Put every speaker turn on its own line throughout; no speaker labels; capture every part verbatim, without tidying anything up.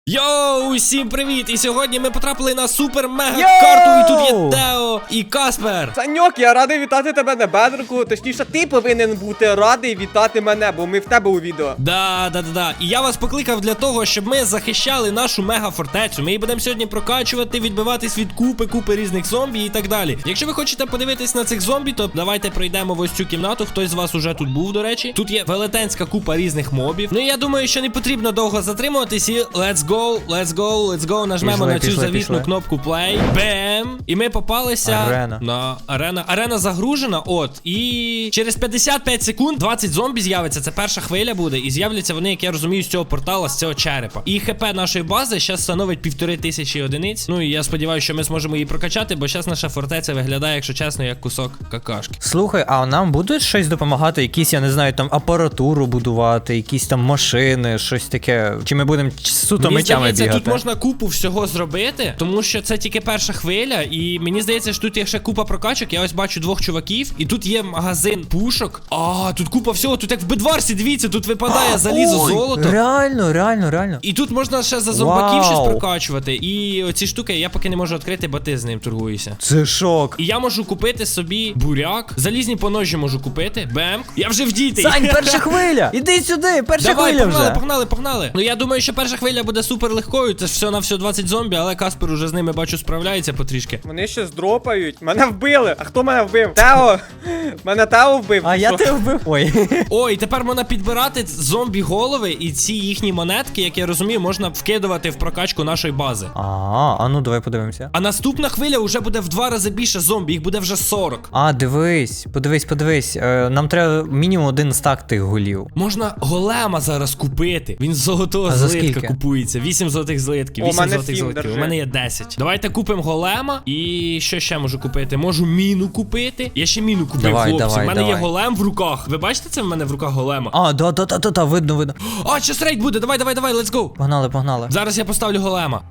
Йоу, усім привіт! І сьогодні ми потрапили на супер-мега-карту, і тут є Тео і Каспер.
Саньок, я радий вітати тебе на бедрику. Точніше, ти повинен бути радий вітати мене, бо ми в тебе у відео.
Да, да, да, да. І я вас покликав для того, щоб ми захищали нашу мега-фортецю. Ми її будемо сьогодні прокачувати, відбиватись від купи, купи різних зомбі і так далі. Якщо ви хочете подивитись на цих зомбі, то давайте пройдемо в ось цю кімнату. Хтось з вас уже тут був, до речі. Тут є велетенська купа різних мобів. Ну і я думаю, що не потрібно довго затримуватись і let's go. Let's go, let's go, нажмемо пішли, на цю пішли, завітну пішли. кнопку play. Бем! І ми попалися
арена.
на арена. Арена загружена, от. І через п'ятдесят п'ять секунд двадцять зомбі з'явиться. Це перша хвиля буде. І з'являться вони, як я розумію, з цього портала, з цього черепа. І хп нашої бази зараз становить півтори тисячі одиниць. Ну і я сподіваюся, що ми зможемо її прокачати, бо зараз наша фортеця виглядає, якщо чесно, як кусок какашки.
Слухай, а нам будуть щось допомагати? Якісь, я не знаю, там апаратуру будувати, якісь там машини, щось таке. Чи ми будемо суто мечами бігати?
Тут можна купу всього зробити, тому що це тільки перша хвиля, і мені здається, що тут є ще купа прокачок. Я ось бачу двох чуваків, і тут є магазин пушок. А, тут купа всього, тут як в Бедварсі, дивіться, тут випадає залізо,
Ой,
золото.
Реально, реально, реально.
І тут можна ще за зомбаків
Вау.
щось прокачувати. І оці штуки я поки не можу відкрити, бо ти з ним торгуєшся.
Це шок.
І я можу купити собі буряк, залізні поножі можу купити. Бем. Я вже вдітий.
Сань, перша хвиля! Іди сюди, перша
Давай,
хвиля
погнали,
вже.
погнали, погнали. Ну я думаю, що перша хвиля буде супер легкою. Це ж все на все двадцять зомбі, але Каспер уже з ними, бачу, справляється потрішки.
Вони ще здропають. Мене вбили. А хто мене вбив? Тео! Мене Тео вбив.
А
Ти
я
що?
тебе вбив. Ой.
Ой, тепер можна підбирати зомбі голови, і ці їхні монетки, як я розумію, можна вкидувати в прокачку нашої бази.
А, а ну давай подивимося.
А наступна хвиля вже буде в два рази більше зомбі, їх буде вже сорок.
А, дивись, подивись, подивись. Е, нам треба мінімум один стак тих голів.
Можна голема зараз купити. Він з золотого
А за
злитка
скільки?
купується. вісім золотих злитків.
О,
вісім
мене
золотих
сім,
злитків.
держи.
У мене є десять. Давайте купимо голема. І що ще можу купити? Можу міну купити. Я ще міну купив,
Давай,
хлопці.
давай,
У мене є
давай.
голем в руках. Ви бачите це в мене в руках голема?
А, да, да, да, да, да, видно, видно.
А, щас рейд буде. Давай, давай, давай, let's go.
Погнали, погнали.
Зараз я поставлю голема.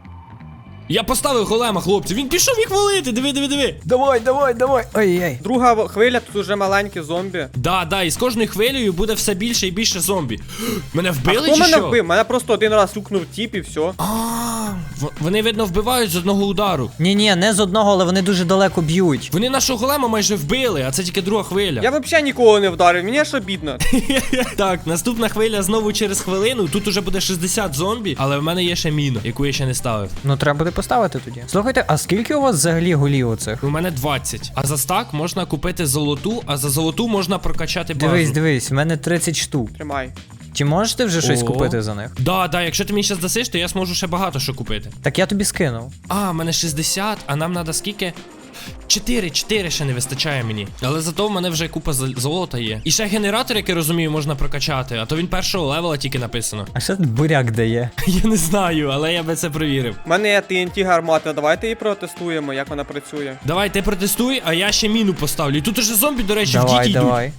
Я поставив голема, хлопці. Він пішов їх валити. Диви, диви, диви.
Давай, давай, давай. Ой-ой.
Друга хвиля, тут уже маленькі зомбі.
Да, да, і з кожною хвилею буде все більше і більше зомбі. Мене
А
вбили
хто
чи
мене
що?
вбив? Мене просто один раз сукнув тіп і все.
А, в- вони, видно, вбивають з одного удару.
Ні-ні, не з одного, але вони дуже далеко б'ють.
Вони нашого голема майже вбили, а це тільки друга хвиля.
Я взагалі нікого не вдарив, мені аж обідно.
Так, наступна хвиля знову через хвилину. Тут уже буде шістдесят зомбі, але в мене є ще міна, яку я ще не ставив.
Ну треба буде поставити тоді. Слухайте, а скільки у вас взагалі голів оцих?
У мене двадцять. А за стак можна купити золоту, а за золоту можна прокачати базу.
Дивись, дивись, в мене тридцять штук.
Тримай.
Чи можеш ти вже щось
О.
купити за них?
Да, да, якщо ти мені зараз дасиш, то я зможу ще багато що купити.
Так я тобі скинув.
А, в мене шістдесят, а нам треба скільки? чотири, чотири ще не вистачає мені. Але зато в мене вже купа зол- золота є. І ще генератор, як я розумію, можна прокачати, а то він першого левела тільки написано.
А що тут буряк дає?
Я не знаю, але я би це провірив.
У мене є Ті Ен Ті гармата, давайте її протестуємо, як вона працює.
Давай, ти протестуй, а я ще міну поставлю. І тут уже зомбі, до речі, в
Давай,
діті йдуть.
давай.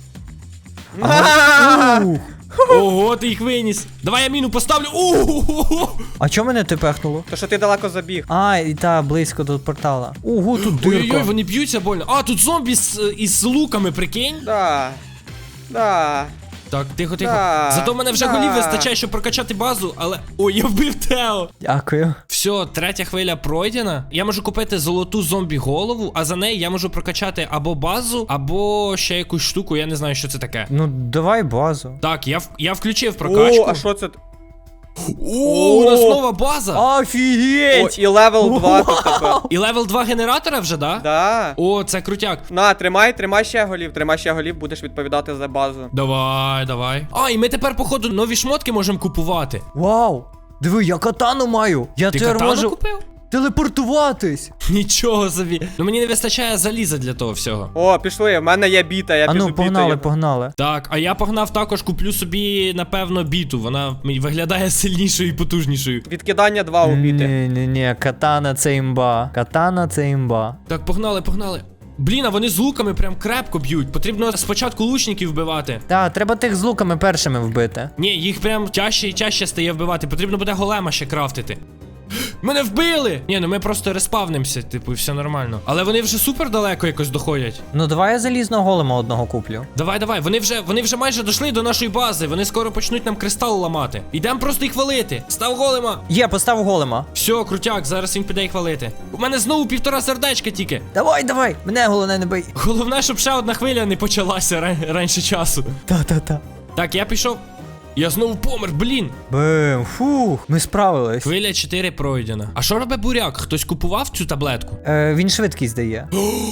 А!
Ух.
Ого, ти їх виніс. Давай я міну поставлю. Ого!
А чому мене ти пехнуло?
То що ти далеко забіг.
А, і та, близько до портала. Ого, тут
Ой-ой-ой,
дирка.
вони б'ються больно. А, тут зомбі з, із луками, прикинь.
Да. Да.
Так, тихо, тихо.
Да,
Зато в мене вже
да.
голів вистачає, щоб прокачати базу, але. Ой, я вбив Тео.
Дякую.
Все, третя хвиля пройдена. Я можу купити золоту зомбі-голову, а за неї я можу прокачати або базу, або ще якусь штуку, я не знаю, що це таке.
Ну, давай базу.
Так, я, в- я включив прокачку.
О, а що це?
О, у нас нова база.
О,
Офігеть!
і левел два тут тепер.
І левел два генератора вже, да?
Да.
О, це крутяк.
На, тримай, тримай ще голів, тримай ще голів, будеш відповідати за базу.
Давай, давай. А, і ми тепер, походу, нові шмотки можемо купувати.
Вау! Диви, я катану маю! Я
Ти
тепер
катану
можу
купив?
телепортуватись!
Нічого собі. Ну мені не вистачає заліза для того всього.
О, пішли, в мене є біта, я
А
піду
ну, погнали,
бітою.
погнали.
Так, а я погнав також, куплю собі, напевно, біту. Вона мені виглядає сильнішою і потужнішою.
Відкидання два у біти.
Ні, ні, ні, катана це імба. Катана це імба.
Так, погнали, погнали. Блін, а вони з луками прям крепко б'ють. Потрібно спочатку лучників вбивати.
Та, треба тих з луками першими вбити.
Ні, їх прям тяжче і тяжче стає вбивати. Потрібно буде голема ще крафтити. Мене вбили! Ні, ну ми просто респавнимося, типу, і все нормально. Але вони вже супер далеко якось доходять.
Ну давай я залізного голема одного куплю.
Давай, давай, вони вже, вони вже майже дійшли до нашої бази. Вони скоро почнуть нам кристал ламати. Ідемо просто їх валити. Став голема.
Є, постав голема.
Все, крутяк, зараз він піде їх валити. У мене знову півтора сердечка тільки.
Давай, давай, мене головне не бий.
Головне, щоб ще одна хвиля не почалася ран- раніше часу.
Та-та-та.
Так, я пішов. Я знову помер, блін.
Бим, фух, ми справились.
Хвиля чотири пройдена. А що робить буряк? Хтось купував цю таблетку?
Е, він швидкість дає.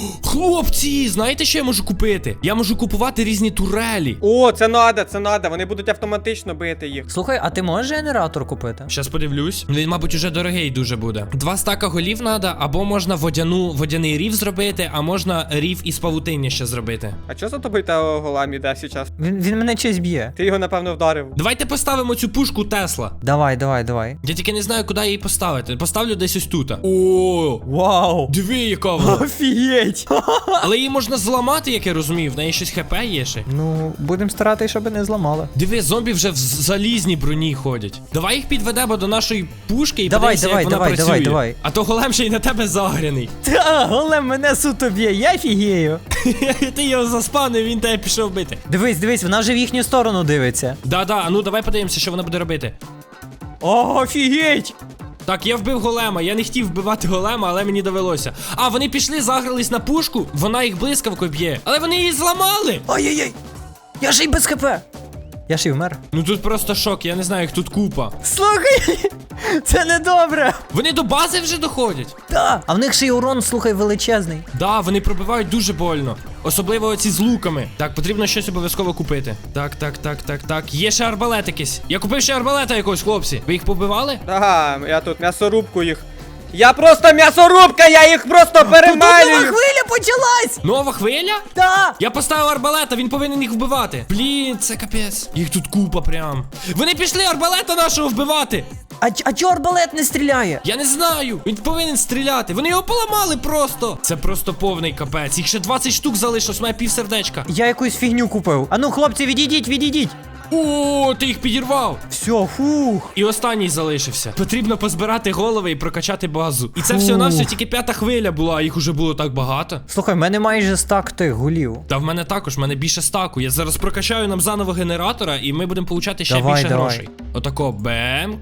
Хлопці, знаєте, що я можу купити? Я можу купувати різні турелі.
О, це надо, це надо. Вони будуть автоматично бити їх.
Слухай, а ти можеш генератор купити?
Щас подивлюсь. Він, мабуть, уже дорогий дуже буде. Два стака голів надо, або можна водяну, водяний рів зробити, а можна рів із павутиння ще зробити.
А що за тобою та голам іде зараз?
Він, він мене щось б'є.
Ти його, напевно, вдарив.
Давайте поставимо цю пушку Тесла.
Давай, давай, давай.
Я тільки не знаю, куди її поставити. Поставлю десь ось тут. О,
Вау!
диви, яка вона.
Офігеть!
Але її можна зламати, як я розумію. В неї щось хп є ще.
Ну, будемо старатися, щоб не зламали.
Диви, зомбі вже в залізній броні ходять. Давай їх підведемо до нашої пушки і
Давай,
подивимося,
давай,
як вона
давай,
працює.
давай, давай.
А то голем ще й на тебе загряний.
Та, голем мене суто б'є, я фігею.
Ти його заспавнив, він тебе пішов бити.
Дивись, дивись, вона вже в їхню сторону дивиться.
Да-да, а ну давай подивимося, що вона буде робити.
О, офігеть!
Так, я вбив голема, я не хотів вбивати голема, але мені довелося. А, вони пішли, загрались на пушку, вона їх блискавкою б'є. Але вони її зламали!
Ай-яй-яй! Я ж й без хп! Я ж й вмер.
Ну тут просто шок, я не знаю, їх тут купа.
Слухай! Це не добре!
Вони до бази вже доходять.
Та! А в них ще й урон, слухай, величезний.
Да, вони пробивають дуже больно. Особливо оці з луками. Так, потрібно щось обов'язково купити. Так, так, так, так, так. Є ще арбалет якийсь. Я купив ще арбалета якогось, хлопці. Ви їх побивали?
Ага, я тут м'ясорубку їх. Я просто м'ясорубка, я їх просто
Нова
перемалюю.
хвиля почалась!
Нова хвиля?
Та!
Я поставив арбалета, він повинен їх вбивати. Блін, це капець. Їх тут купа прям. Вони пішли арбалета нашого вбивати.
А, ч- а чого арбалет не стріляє?
Я не знаю. Він повинен стріляти. Вони його поламали просто. Це просто повний капець. Їх ще двадцять штук залишилось, має пів сердечка.
Я якусь фігню купив. А ну, хлопці, відійдіть, відійдіть!
О, ти їх підірвав.
Все, фух.
І останній залишився. Потрібно позбирати голови і прокачати базу. І це
Фух.
все на все тільки п'ята хвиля була, а їх уже було так багато.
Слухай, в мене майже стак тих гулів.
Та в мене також, в мене більше стаку. Я зараз прокачаю нам заново генератора, і ми будемо получати ще
Давай,
більше
давай.
грошей. Отако, бемк.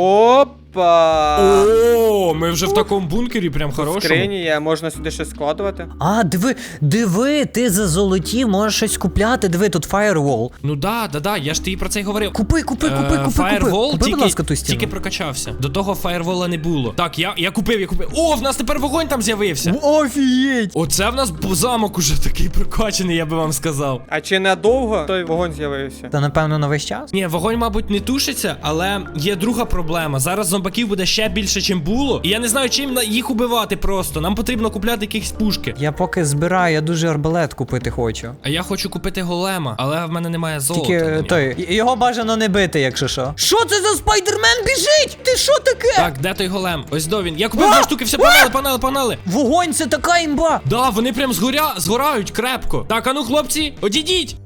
Опа.
О, ми вже в такому бункері, прям
В
хорошому.
скрині є, можна сюди щось складувати.
А, диви, диви, ти за золоті можеш щось купляти. Диви, тут фаєрвол.
Ну да, да, да, я ж тобі про це й говорив.
Купи, купи, купи,
Е,
купи, купи.
Фаєрвол
Купи, будь
тільки,
ласка, ту стіну.
тільки прокачався. До того фаєрвола не було. Так, я, я купив, я купив. О, в нас тепер вогонь там з'явився.
Офігеть!
Оце в нас б- замок уже такий прокачаний, я би вам сказав.
А чи недовго той вогонь з'явився?
Та напевно на весь час?
Ні, вогонь, мабуть, не тушиться, але є друга проблема. Зараз зомбаків буде ще більше, чим було. І я не знаю, чим на- їх убивати просто. Нам потрібно купляти якісь пушки.
Я поки збираю, я дуже арбалет купити хочу.
А я хочу купити голема, але в мене немає золота.
Тільки
на нього.
той, й- його бажано не бити, якщо що. Що це за спайдермен біжить? Ти що таке?
Так, де той голем? Ось до він. Я купив дві штуки, все, погнали, погнали, погнали.
Вогонь, це така імба!
Да, вони прям згоря... згорають крепко. Так, а ну, хлопці, одійдіть.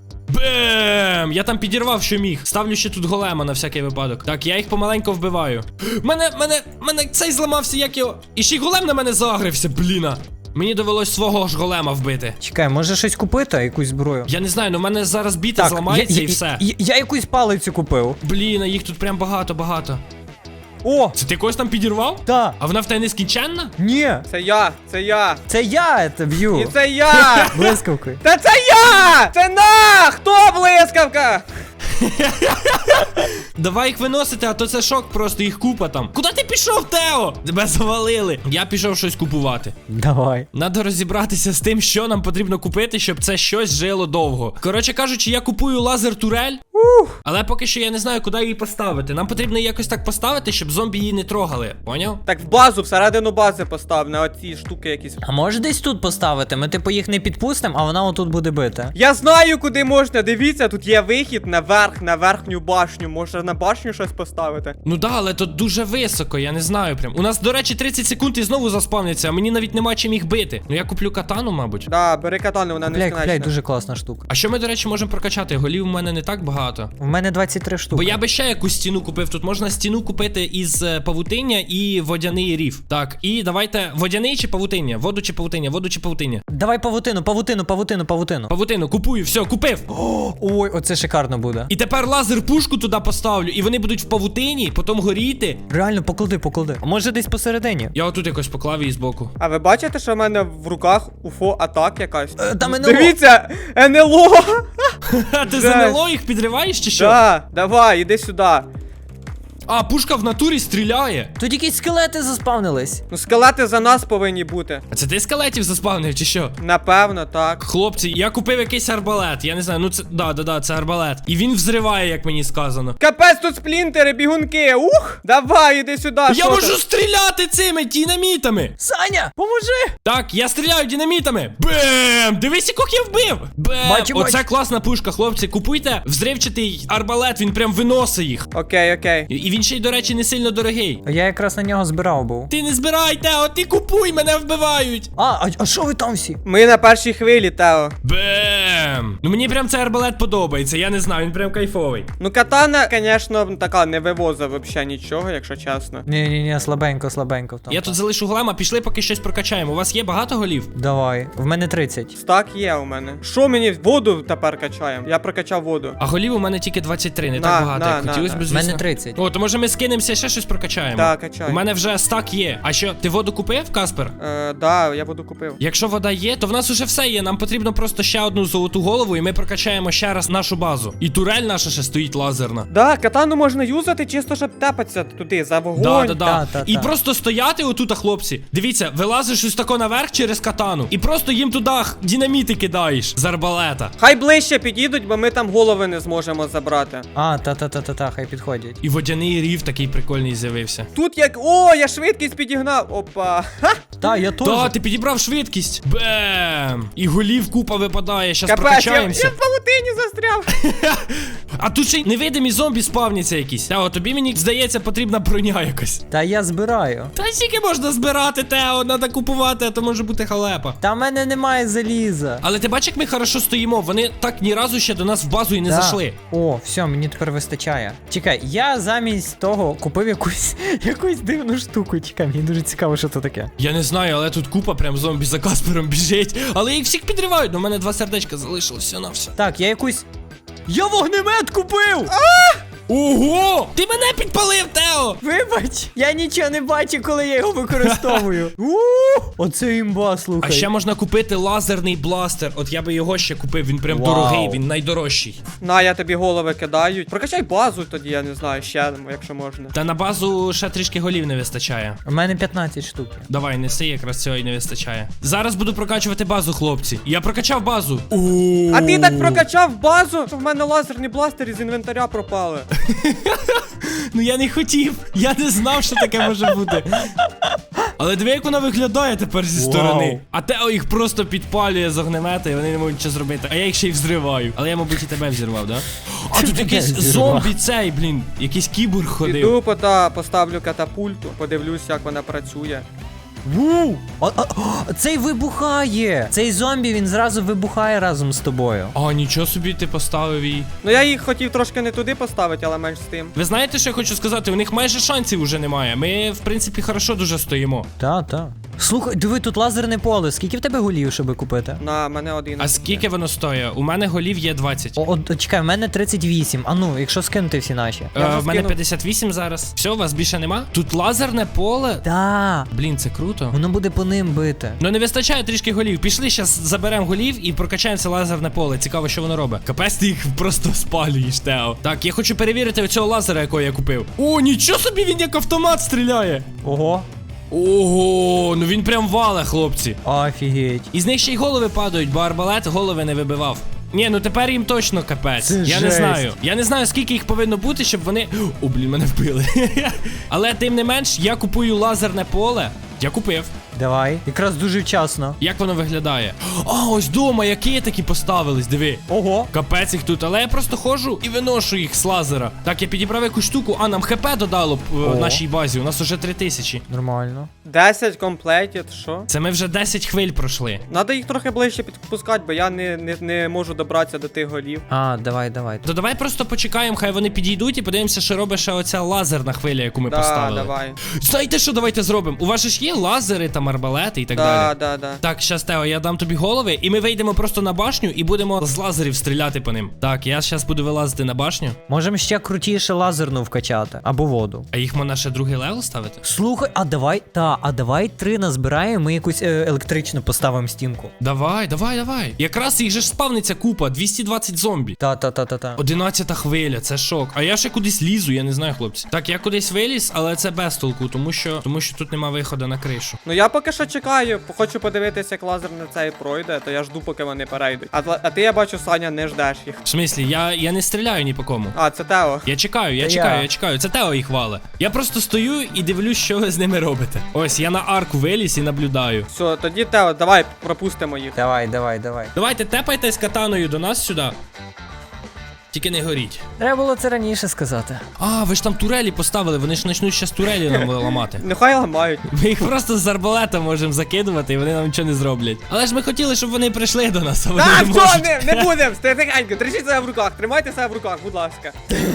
Бем! Я там підірвав, що міг. Ставлю ще тут голема на всякий випадок. Так, я їх помаленько вбиваю. Мене, мене, мене цей зламався, як його. І ще й голем на мене загрився, бліна. Мені довелось свого ж голема вбити.
Чекай, може щось купити, якусь зброю?
Я не знаю, ну в мене зараз біта зламається
я,
і
я,
все.
Я, я якусь палицю купив.
Блін, а їх тут прям багато-багато.
О!
Це ти когось там підірвав?
Та!
А вона в тебе нескінченна?
Ні!
Це я, це я.
Це я це
І
б'ю!
це я.
Блискавкою.
Та це я! Це на! Хто блискавка?
Давай їх виносити, а то це шок, просто їх купа там. Куди ти пішов, Тео? Тебе завалили. Я пішов щось купувати.
Давай.
Надо розібратися з тим, що нам потрібно купити, щоб це щось жило довго. Коротше кажучи, я купую лазер-турель, але поки що я не знаю, куди її поставити. Нам потрібно її якось так поставити, щоб зомбі її не трогали. Поняв?
Так в базу, всередину бази постав, на оці штуки якісь.
А може десь тут поставити? Ми типу їх не підпустимо, а вона отут буде бити.
Я знаю, куди можна. Дивіться, тут є вихід наверх. наверх, на верхню башню. Може на башню щось поставити?
Ну да, але тут дуже високо, я не знаю прям. У нас, до речі, тридцять секунд і знову заспавняться, а мені навіть нема чим їх бити. Ну я куплю катану, мабуть.
Да, бери катану, вона не
Купляй, купляй,
скінчна.
дуже класна штука.
А що ми, до речі, можемо прокачати? Голів у мене не так багато.
В мене двадцять три штуки.
Бо я би ще якусь стіну купив. Тут можна стіну купити із е, павутиння і водяний рів. Так, і давайте водяний чи павутиння? Воду чи павутиння? Воду чи павутиння?
Давай павутину, павутину, павутину, павутину.
Павутину, купую, все, купив.
О, ой, оце шикарно буде.
І тепер лазер пушку туди поставлю, і вони будуть в павутині, потім горіти.
Реально, поклади, поклади. А може десь посередині?
Я отут якось поклав її збоку.
А ви бачите, що в мене в руках уфо атак якась?
Е, Там НЛО.
Дивіться, НЛО!
Ха, ти
Жесть.
за НЛО їх підриваєш чи що?
Да, давай, іди сюди.
А, пушка в натурі стріляє.
Тут якісь скелети заспавнились.
Ну скелети за нас повинні бути.
А це ти скелетів заспавнив чи що?
Напевно, так.
Хлопці, я купив якийсь арбалет. Я не знаю, ну це. Да, да, да, це арбалет. І він взриває, як мені сказано.
Капець, тут сплінтери, бігунки. Ух! Давай, іди сюди.
Я
що
можу
ти?
стріляти цими динамітами.
Саня, поможи!
Так, я стріляю динамітами. Бем! Дивись, яких я вбив. Бем!
Бачу,
Оце
бачу.
класна пушка, хлопці. Купуйте взривчатий арбалет, він прям виносить їх.
Окей, окей.
І і він ще й, до речі, не сильно дорогий.
Я якраз на нього збирав був.
Ти не збирай, Тео, ти купуй, мене вбивають.
А, а, а що ви там всі?
Ми на першій хвилі, Тео.
Бем! Ну мені прям цей арбалет подобається, я не знаю, він прям кайфовий.
Ну катана, звісно, така не вивозить взагалі нічого, якщо чесно.
Ні-ні-ні, слабенько, слабенько. Там.
Я тут залишу глема, пішли поки щось прокачаємо. У вас є багато голів?
Давай, в мене тридцять.
Стак є у мене. Що мені воду тепер качаємо? Я прокачав воду.
А голів у мене тільки двадцять три, не
На,
так багато,
на,
як
на,
хотілося
на.
б,
В
звісно.
мене тридцять.
О, то може ми скинемося ще щось прокачаємо?
Так, качай.
У мене вже стак є. А що, ти воду купив, Каспер?
Е, да, я воду купив.
Якщо вода є, то в нас уже все є. Нам потрібно просто ще одну золоту голову, і ми прокачаємо ще раз нашу базу. І турель наша ще стоїть лазерна.
Да, катану можна юзати, чисто щоб тепатися туди, за вогонь.
Да, да, да.
Та, та,
І
та.
просто стояти отут, хлопці. Дивіться, вилазиш ось тако наверх через катану. І просто їм туди х- динаміти кидаєш з арбалета.
Хай ближче підійдуть, бо ми там голови не зможемо забрати.
А, та-та-та-та-та, хай підходять.
І водяний рів такий прикольний з'явився.
Тут як. О, я швидкість підігнав. Опа. Ха!
Та, я теж.
Та, ти підібрав швидкість. Бем! І голів купа випадає. Щас
Капець, я,
прокачаємося.
я в павутині застряв.
А тут ще й невидимі зомбі спавняться якісь. Тео, тобі мені здається, потрібна броня якась.
Та я збираю.
Та скільки можна збирати, Тео, треба купувати, а то може бути халепа.
Та в мене немає заліза.
Але ти бачиш, як ми хорошо стоїмо. Вони так ні разу ще до нас в базу і не
Да.
зайшли.
О, все, мені тепер вистачає. Чекай, я замість того купив якусь якусь дивну штуку. Чекай, мені дуже цікаво, що це таке.
Я не знаю, але тут купа прям зомбі за Каспером біжить. Але їх всіх підривають. У мене два сердечка залишилось все на все.
Так, я якусь. Я вогнемет купив!
Ого! Ти мене підпалив, Тео!
Вибач, я нічого не бачу, коли я його використовую. У, Оце імба, слухай.
А ще можна купити лазерний бластер. От я би його ще купив, він прям
Вау.
дорогий, він найдорожчий.
На, я тобі голови кидаю. Прокачай базу тоді, я не знаю, ще, якщо можна.
Та на базу ще трішки голів не вистачає.
У мене п'ятнадцять штук.
Давай, неси, якраз цього і не вистачає. Зараз буду прокачувати базу, хлопці. Я прокачав базу.
А ти так прокачав базу, що в мене лазерні бластери з інвентаря пропали.
Ну я не хотів. Я не знав, що таке може бути. Але диви, як вона виглядає тепер зі
Вау.
сторони. А Тео їх просто підпалює з огнемета, і вони не можуть нічого зробити. А я їх ще й взриваю. Але я, мабуть, і тебе взірвав, да? А тут якийсь
Взірвав.
зомбі цей, блін. Якийсь кіборг ходив.
Піду пота поставлю катапульту, подивлюсь, як вона працює.
Ву! А, а, а, цей вибухає! Цей зомбі, він зразу вибухає разом з тобою.
А, нічого собі ти поставив її.
Ну я їх хотів трошки не туди поставити, але менш з тим.
Ви знаєте, що я хочу сказати? У них майже шансів уже немає. Ми, в принципі, хорошо дуже стоїмо.
Та, та. Слухай, диви, тут лазерне поле. Скільки в тебе голів, щоб купити?
На мене один.
А скільки воно стоїть? У мене голів є двадцять.
О, от, чекай, в мене тридцять вісім. А ну, якщо скинути всі наші.
Я вже
Е, в мене
скинув.
п'ятдесят вісім зараз. Все, у вас більше нема? Тут лазерне поле.
Та,
Блін, це круто.
воно буде по ним бити.
Ну не вистачає трішки голів. Пішли, зараз заберемо голів і прокачаємо це лазерне поле. Цікаво, що воно робить. Капець, ти їх просто спалюєш, Тео. Так, я хочу перевірити оцього лазера, якого я купив. О, нічого собі, він як автомат стріляє.
Ого.
Ого, ну він прям вале, хлопці.
Офігеть.
І з них ще й голови падають, бо арбалет голови не вибивав. Ні, ну тепер їм точно капець.
Це
Я не
жесть.
знаю. Я не знаю, скільки їх повинно бути, щоб вони. О, блін, мене вбили. Але тим не менш, я купую лазерне поле. Я купив.
Давай. Якраз дуже вчасно.
Як воно виглядає? А, ось дома, які такі поставились, диви.
Ого.
Капець їх тут, але я просто ходжу і виношу їх з лазера. Так, я підібрав якусь штуку, а нам хп додало б в
О.
нашій базі. У нас уже три тисячі.
Нормально.
десять комплектів, що?
Це ми вже десять хвиль пройшли.
Надо їх трохи ближче підпускати, бо я не, не, не можу добратися до тих голів.
А, давай, давай.
То давай просто почекаємо, хай вони підійдуть і подивимося, що робить ще оця лазерна хвиля, яку ми
Да,
поставили.
давай.
Знаєте, що давайте зробимо? У вас же ж є лазери, там арбалети і так
Да,
далі.
да, да.
Так, щас, Тео, я дам тобі голови, і ми вийдемо просто на башню і будемо з лазерів стріляти по ним. Так, я зараз буду вилазити на башню.
Можемо ще крутіше лазерну вкачати. Або воду.
А їх можна ще другий левел ставити?
Слухай, а давай, та, а давай три назбираємо, ми якусь е, електричну поставимо стінку.
Давай, давай, давай. Якраз їх же ж спавниться купа, двісті двадцять зомбі.
Та, та, та, та, та.
Одинадцята хвиля, це шок. А я ще кудись лізу, я не знаю, хлопці. Так, я кудись виліз, але це без толку, тому що, тому що тут нема виходу на кришу.
Ну я поки що чекаю, хочу подивитися, як лазер на цей пройде, то я жду, поки вони перейдуть. А, а ти, я бачу, Саня, не ждеш їх.
В смислі, я, я не стріляю ні по кому.
А, це Тео.
Я чекаю, я
Та
чекаю,
я.
я чекаю. Це Тео їх вале. Я просто стою і дивлюсь, що ви з ними робите. Ось, я на арку виліз і наблюдаю.
Все, тоді Тео, давай пропустимо їх.
Давай, давай, давай.
Давайте тепайтесь катаною до нас сюди. Тільки не горіть.
Треба було це раніше сказати.
А, ви ж там турелі поставили, вони ж почнуть щас турелі нам ламати.
Нехай ламають.
Ми їх просто з арбалета можемо закидувати, і вони нам нічого не зроблять. Але ж ми хотіли, щоб вони прийшли до нас, а вони
Так,
не
все,
можуть.
не, не будемо, тихенько, держіть себе в руках, тримайте себе в руках, будь ласка.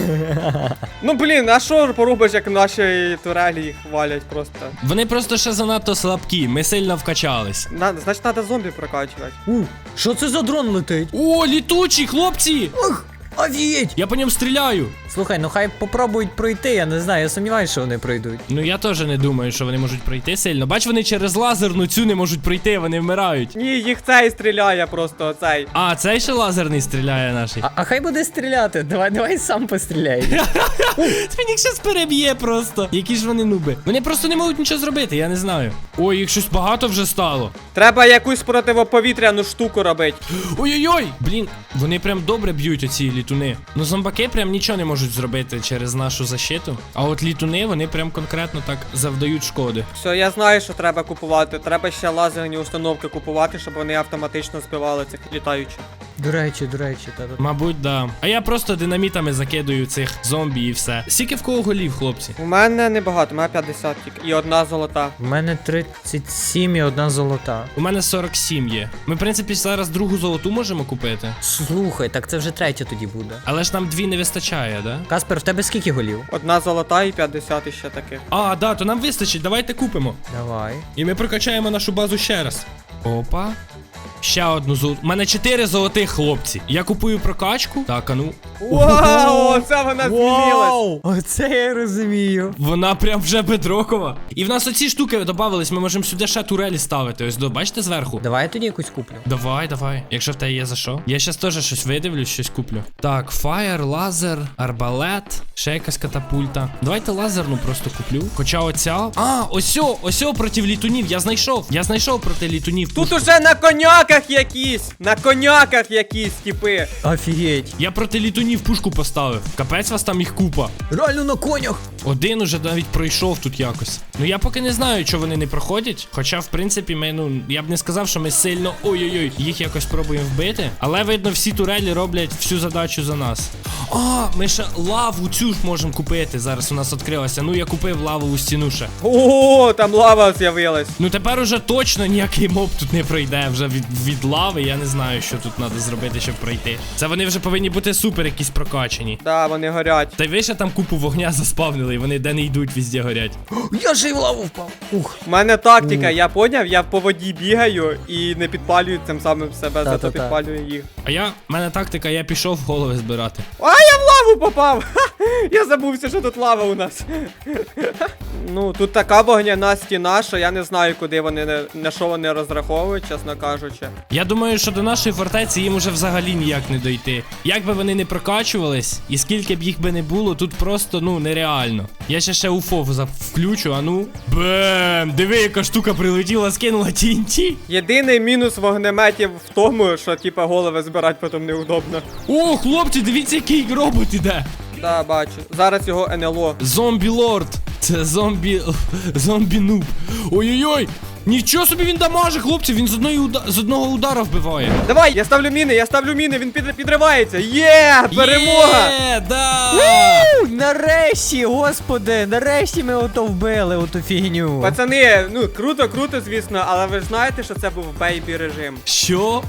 Ну блін, а що поробиш, як наші турелі їх валять просто?
Вони просто ще занадто слабкі, ми сильно вкачались.
На, значить, треба зомбі прокачувати.
У, що це за дрон летить?
О, літучий, хлопці!
Ух, офігеть!
Я по ньому стріляю.
Слухай, ну хай попробують пройти, я не знаю, я сумніваюся, що вони пройдуть.
Ну я теж не думаю, що вони можуть пройти сильно. Бач, вони через лазерну цю не можуть пройти, вони вмирають.
Ні, їх цей стріляє просто, оцей.
А, цей ще лазерний стріляє наший.
А, а хай буде стріляти, давай, давай сам постріляй.
Він їх щас переб'є просто. Які ж вони нуби. Вони просто не можуть нічого зробити, я не знаю. Ой, їх щось багато вже стало.
Треба якусь противоповітряну штуку робити.
Ой-ой-ой! Блін, вони прям добре б'ють оці літуни. Ну зомбаки прям нічого не можуть зробити через нашу защиту. А от літуни, вони прям конкретно так завдають шкоди.
Все, я знаю, що треба купувати. Треба ще лазерні установки купувати, щоб вони автоматично збивали цих літаючих.
До речі, до речі, та, та.
Мабуть, да. А я просто динамітами закидую цих зомбі і все. Скільки в кого голів, хлопці?
У мене небагато, у мене п'ятдесят тільки. І одна золота.
В мене тридцять сім і одна золота.
У мене сорок сім є. Ми, в принципі, зараз другу золоту можемо купити.
Слухай, так це вже третя тоді буде.
Але ж нам дві не вистачає, да?
Каспер, в тебе скільки голів?
Одна золота і п'ятдесят іще таких.
А, да, то нам вистачить, давайте купимо.
Давай.
І ми прокачаємо нашу базу ще раз. Опа. Ще одну золоту. У мене чотири золотих, хлопці. Я купую прокачку. Так, а ну.
Вау, це вона змінилась.
Оце я розумію.
Вона прям вже бедрокова. І в нас оці штуки додавались, ми можемо сюди ще турелі ставити. Ось, до, бачите зверху?
Давай я тоді якусь куплю.
Давай, давай. Якщо в тебе є за що. Я щас теж щось видивлюсь, щось куплю. Так, фаєр, лазер, арбалет, ще якась катапульта. Давайте лазерну просто куплю. Хоча оця. А, осьо, осьо проти літунів. Я знайшов. Я знайшов проти літунів.
Тут уже на коняках якісь. На коняках якісь, типи.
Офігеть.
Я проти літунів пушку поставив. Капець вас там їх купа.
Реально на конях.
Один уже навіть пройшов тут якось. Ну я поки не знаю, що вони не проходять. Хоча, в принципі, ми, ну, я б не сказав, що ми сильно ой-ой-ой, їх якось пробуємо вбити. Але видно, всі турелі роблять всю задачу за нас. А, ми ще лаву цю ж можемо купити. Зараз у нас відкрилася. Ну я купив лавову стіну ще.
О, там лава з'явилась.
Ну тепер уже точно ніякий моб тут не пройде. Вже від, від лави я не знаю, що тут треба зробити, щоб пройти. Це вони вже повинні бути супер якісь прокачані.
Да, вони горять.
Та й ви ще там купу вогня заспавнили, і вони де не йдуть, везде горять.
Я же й в лаву впав. Ух.
У мене тактика, я поняв, я по воді бігаю і не підпалюю цим самим себе, зато
Та-та-та.
підпалюю їх.
А я, в мене тактика, я пішов голови збирати.
А, я в лаву попав! Ха! Я забувся, що тут лава у нас. Ну, тут така вогняна стіна, що я не знаю, куди вони, не- на що вони розраховують, чесно кажучи.
Я думаю, що до нашої фортеці їм уже взагалі ніяк не дойти. Як би вони не прокачувались, і скільки б їх би не було, тут просто, ну, нереально. Я ще ще уфо за- включу, а ну. Бем! Диви, яка штука прилетіла, скинула ті ен ті.
Єдиний мінус вогнеметів в тому, що типа голови збирати потім неудобно.
О, хлопці, дивіться, який робот іде.
Да, бачу. Зараз його ен ел о.
Зомбі лорд. Це зомбі. Зомбі нуб. Ой-ой-ой! Нічого собі він дамаже, хлопці, він з, одної уда... з одного удара вбиває.
Давай, я ставлю міни, я ставлю міни, він під... підривається. Є, перемога!
Є, да!
У, нарешті, господи, нарешті ми ото вбили, оту фігню.
Пацани, ну круто, круто, звісно, але ви ж знаєте, що це був бейбі режим.
Що?